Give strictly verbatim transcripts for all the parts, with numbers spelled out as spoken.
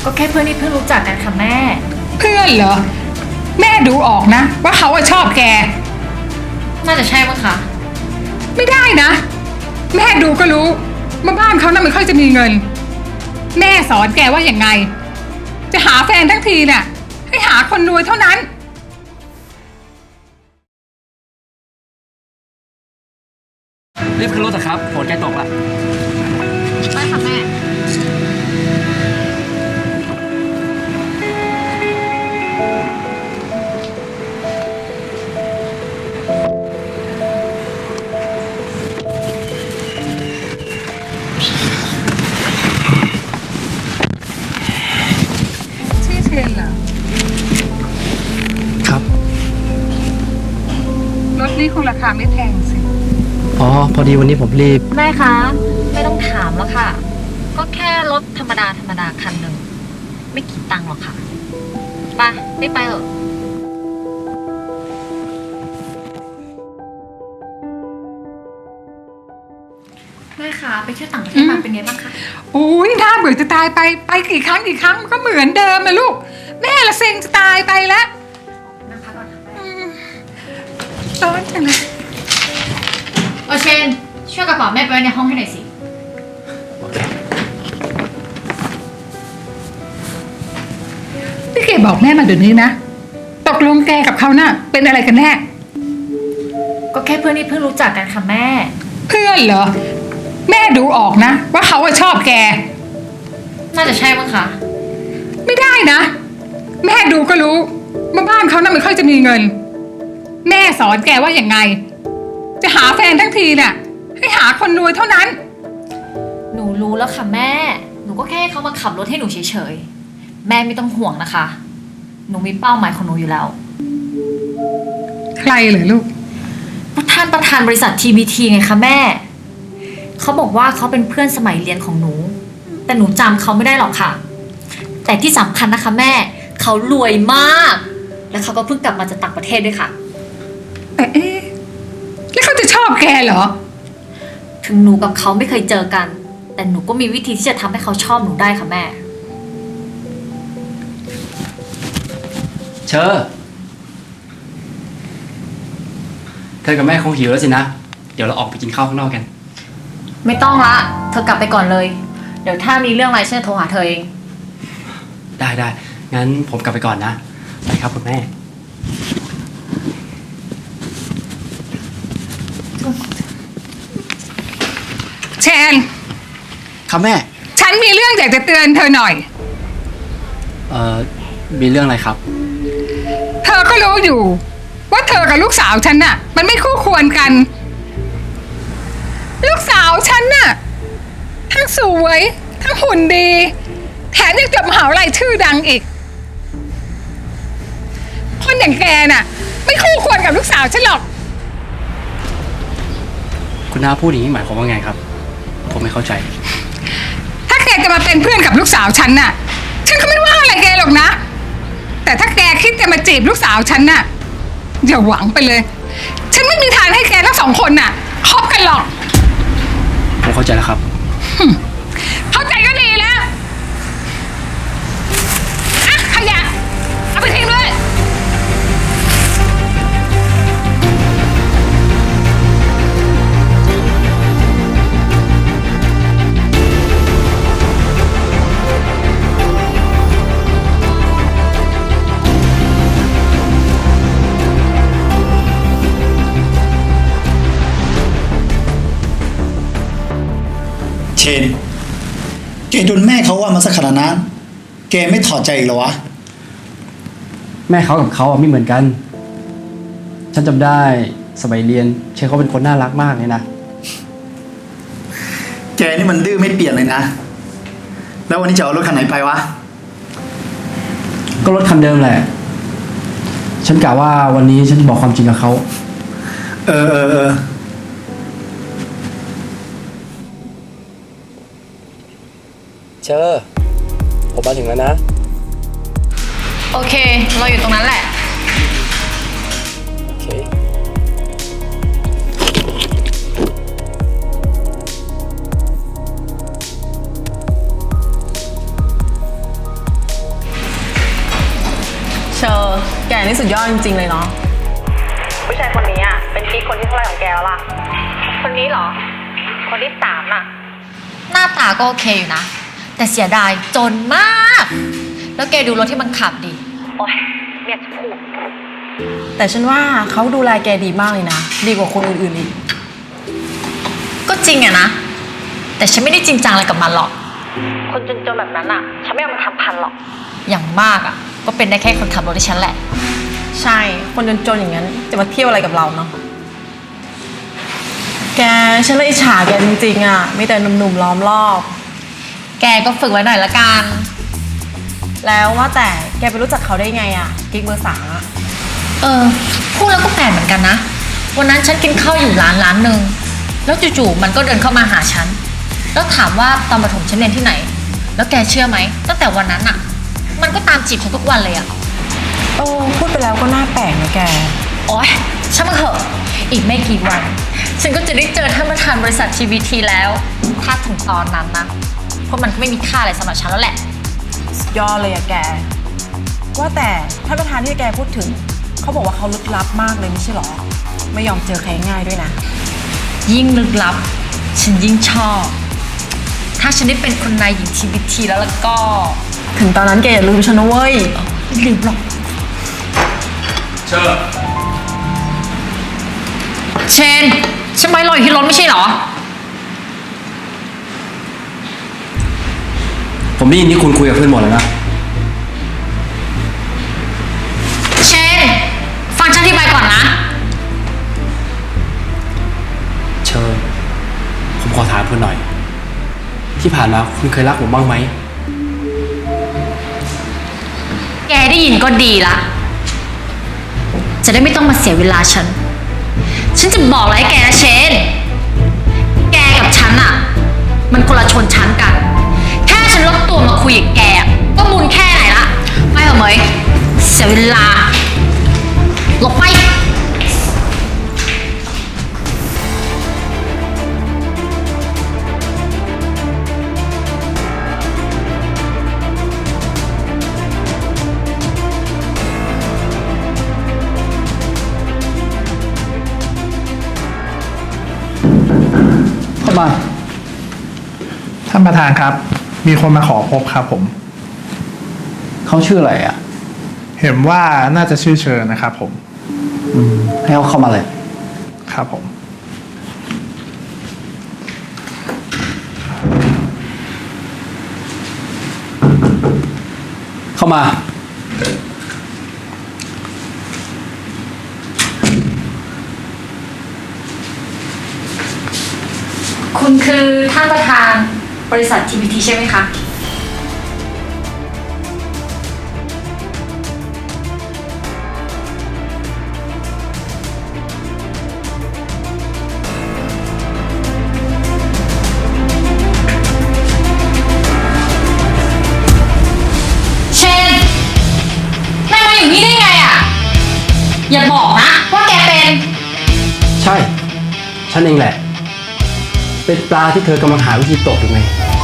ก็แค่เพื่อนที่เพิ่งรู้จักกันค่ะแม่เพื่อนเหรอแม่ดูออกนะว่าเขาชอบแกน่าจะใช่มั้งคะไม่ได้นะแม่ดูก็รู้ว่าบ้านเขาน่ะไม่ค่อยจะมีเงินแม่สอนแกว่าอย่างไงจะหาแฟนทั้งทีเนี่ยให้หาคนรวยเท่านั้นรีบขึ้นรถเถอะครับฝนใกล้ตกละไปค่ะแม่ชื่อเชนเหรอครับรถนี้คงราคาไม่แพงสิอ๋อพอดีวันนี้ผมรีบแม่คะไม่ต้องถามแล้วค่ะก็แค่รถธรรมดาธรรมดาคันหนึ่งไม่กี่ตังค์หรอกค่ะไปไม่ไปเถอะแม่คะไปเที่ยวต่างประเทศมาเป็นไงบ้างคะโอ้ยน่าเบื่อจะตายไปไปกี่ครั้งกี่ครั้งมันก็เหมือนเดิมนะลูกแม่ละเซ็งจะตายไปแล้วนั่งพักก่อนค่ะแม่ร้อนจังเลยโอเชนช่วยกระเป๋าแม่ไปไว้ในห้องให้หน่อยสิพี่เก๋บอกแม่มาเดี๋ยวนี้นะตกลงแกกับเขาน่ะเป็นอะไรกันแน่ก็แค่เพื่อนที่เพิ่งรู้จักกันค่ะแม่เพื่อนเหรอแม่ดูออกนะว่าเขาชอบแกน่าจะใช่มั้งคะไม่ได้นะแม่ดูก็รู้ว่าบ้านเขาน่ะไม่ค่อยจะมีเงินแม่สอนแกว่าอย่างไงจะหาแฟนทั้งทีเนี่ยให้หาคนรวยเท่านั้นหนูรู้แล้วค่ะแม่หนูก็แค่ให้เขามาขับรถให้หนูเฉยๆแม่ไม่ต้องห่วงนะคะหนูมีเป้าหมายของหนูอยู่แล้วใครเหรอลูกประธานประธานบริษัท ที บี ที ไงคะแม่เขาบอกว่าเขาเป็นเพื่อนสมัยเรียนของหนูแต่หนูจำเขาไม่ได้หรอกค่ะแต่ที่สำคัญนะคะแม่เขารวยมากและเขาก็เพิ่งกลับมาจากต่างประเทศด้วยค่ะแต่เอ๊ะแล้วเขาจะชอบแกเหรอถึงหนูกับเขาไม่เคยเจอกันแต่หนูก็มีวิธีที่จะทำให้เขาชอบหนูได้ค่ะแม่เชอเธอกับแม่คงหิวแล้วสินะเดี๋ยวเราออกไปกินข้าวข้างนอกกันไม่ต้องละเธอกลับไปก่อนเลยเดี๋ยวถ้ามีเรื่องอะไรฉันจะโทรหาเธอเองได้ได้งั้นผมกลับไปก่อนนะไปครับคุณแม่แชนครับแม่ฉันมีเรื่องอยากจะเตือนเธอหน่อยเอ่อมีเรื่องอะไรครับเธอก็รู้อยู่ว่าเธอกับลูกสาวฉันน่ะมันไม่คู่ควรกันลูกสาวฉันน่ะทั้งสวยทั้งหุ่นดีแถมยังจบมหาวิทยาลัยชื่อดังอีกคนอย่างแกน่ะไม่คู่ควรกับลูกสาวฉันหรอกคุณน้าพูดอย่างนี้หมายความว่าไงครับผมไม่เข้าใจถ้าแกจะมาเป็นเพื่อนกับลูกสาวฉันน่ะฉันก็ไม่ว่าอะไรแกหรอกนะแต่ถ้าแกคิดจะมาจีบลูกสาวฉันน่ะอย่าหวังไปเลยฉันไม่มีทางให้แกทั้งสองคนน่ะคบกันหรอกผมเข้าใจแล้วครับเข้าใจก็ดีแล้วอะขยะเอาไปทิ้งเลยเชนแกโดนแม่เขาว่ามาสักขนาดนั้นแกไม่ถอดใจอีกเหรอวะแม่เขากับเขาไม่เหมือนกันฉันจำได้สมัยเรียนเชนเขาเป็นคนน่ารักมากเลยนะแกนี่มันดื้อไม่เปลี่ยนเลยนะแล้ววันนี้จะเอารถคันไหนไปวะก็รถคันเดิมแหละฉันกะว่าวันนี้ฉันจะบอกความจริงกับเขาเออเออเออเชอผมมาถึงแล้วนะโอเคเราอยู่ตรงนั้นแหละโอเคเแกนี่สุดยอดจริงๆเลยเนาะผู้ชายคนนี้อ่ะเป็นกิ๊กคนที่เท่าไหร่ของแกแล้วล่ะคนนี้เหรอ คนที่สามน่ะ หน้าตาก็โอเคอยู่นะ แต่เสียดายจนมาก แล้วแกดูรถที่มันขับดิโอ๊ยไม่อยากจะพูดแต่ฉันว่าเขาดูแลแกดีมากเลยนะ ดีกว่าคนอื่นๆอีกก็จริงอะนะ แต่ฉันไม่ได้จริงจังอะไรกับมันหรอก คนจนๆแบบนั้นอะฉันไม่เอามันทำพันหรอก อย่างมากอะก็เป็นได้แค่คนขับรถให้ฉันแหละใช่ คนจนๆอย่างนั้นจะมาเที่ยวอะไรกับเราเนาะ แกฉันเลยอิจฉาแกจริงๆอ่ะมีแต่หนุ่มๆล้อมรอบแกก็ฝึกไว้หน่อยละกันแล้วว่าแต่แกไปรู้จักเขาได้ไงอ่ะกิ๊กเบอร์สามอ่ะเออ พูดแล้วก็แปลกเหมือนกันนะ วันนั้นฉันกินข้าวอยู่ร้านร้านหนึ่ง แล้วจู่ๆมันก็เดินเข้ามาหาฉัน แล้วถามว่าตอนประถมฉันเรียนที่ไหน แล้วแกเชื่อไหม ตั้งแต่วันนั้นอะมันก็ตามจีบฉันทุกวันเลยอะโอ้พูดไปแล้วก็น่าแปลกนะแกโอ๊ยช่างมันเถอะ อีกไม่กี่วัน ฉันก็จะได้เจอท่านประธานบริษัท ที วี ที แล้ว ถ้าถึงตอนนั้นนะ เพราะมันก็ไม่มีค่าอะไรสำหรับฉันแล้วแหละสุดยอดเลยอะแก ว่าแต่ท่านประธานที่แกพูดถึง เขาบอกว่าเขาลึกลับมากเลยไม่ใช่หรอ ไม่ยอมเจอใครง่ายด้วยนะยิ่งลึกลับ ฉันยิ่งชอบ ถ้าฉันได้เป็นคนนายหญิง ที วี ที แล้วแล้วก็ถึงตอนนั้นแกอย่าลืมฉันนะเว้ยไม่ลืมหรอกเชิญเชนฉันไม่รออยู่ที่รถไม่ใช่เหรอผมได้ยินที่คุณคุยกับเพื่อนหมดแล้วนะเชนฟังฉันอธิบายก่อนนะเชิญ ผมขอถามคุณหน่อย ที่ผ่านมาคุณเคยรักผมบ้างไหมแกได้ยินก็ดีละ จะได้ไม่ต้องมาเสียเวลาฉัน ฉันจะบอกอะไรให้แกนะเชน แกกับฉันอะมันคนละชนชั้นกัน แค่ฉันลดตัวมาคุยกับแกอะก็บุญแค่ไหนละ ไม่เหรอเหมยเสียเวลาหลบไปเข้ามาท่านประธานครับ มีคนมาขอพบครับผมเขาชื่ออะไรอ่ะเห็นว่าน่าจะชื่อเชิญนะครับผมอืม ให้เขาเข้ามาเลยครับผมเข้ามาคุณคือท่านประธานบริษัท ที วี ที ใช่ไหมคะ เชนนายมาอยู่นี่ได้ไงอ่ะ อย่าบอกนะว่าแกเป็นใช่ ฉันเองแหละ เป็นปลาที่เธอกำลังหาวิธีตกอยู่ไง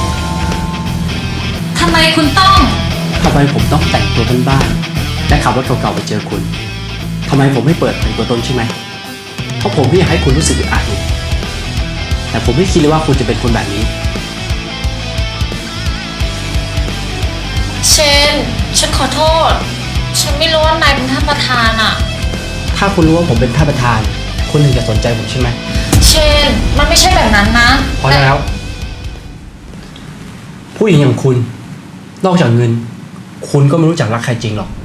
ทำไมคุณต้องทำไมผมต้องแต่งตัวบ้านๆและขับรถเก่าๆไปเจอคุณ ทำไมผมไม่เปิดเผยตัวตนใช่ไหม เพราะผมไม่อยากให้คุณรู้สึกอึดอัดอีกแต่ผมไม่คิดเลยว่าคุณจะเป็นคนแบบนี้เชน ฉันขอโทษ ฉันไม่รู้ว่านายเป็นท่านประธานอ่ะถ้าคุณรู้ว่าผมเป็นท่านประธาน คุณถึงจะสนใจผมใช่ไหมเชน มันไม่ใช่แบบนั้นนะพอแล้ว ผู้หญิงอย่างคุณ นอกจากเงิน คุณก็ไม่รู้จักรักใครจริงหรอก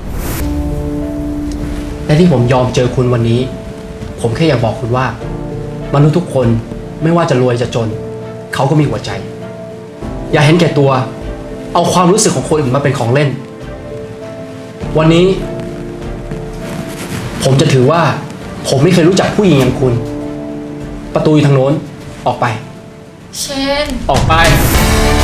และที่ผมยอมเจอคุณวันนี้ ผมแค่อยากบอกคุณว่า มนุษย์ทุกคนไม่ว่าจะรวยจะจน เขาก็มีหัวใจ อย่าเห็นแก่ตัว เอาความรู้สึกของคนอื่นมาเป็นของเล่น วันนี้ ผมจะถือว่า ผมไม่เคยรู้จักผู้หญิงอย่างคุณ ประตูอยู่ทางโน้น ออกไปเชนออกไป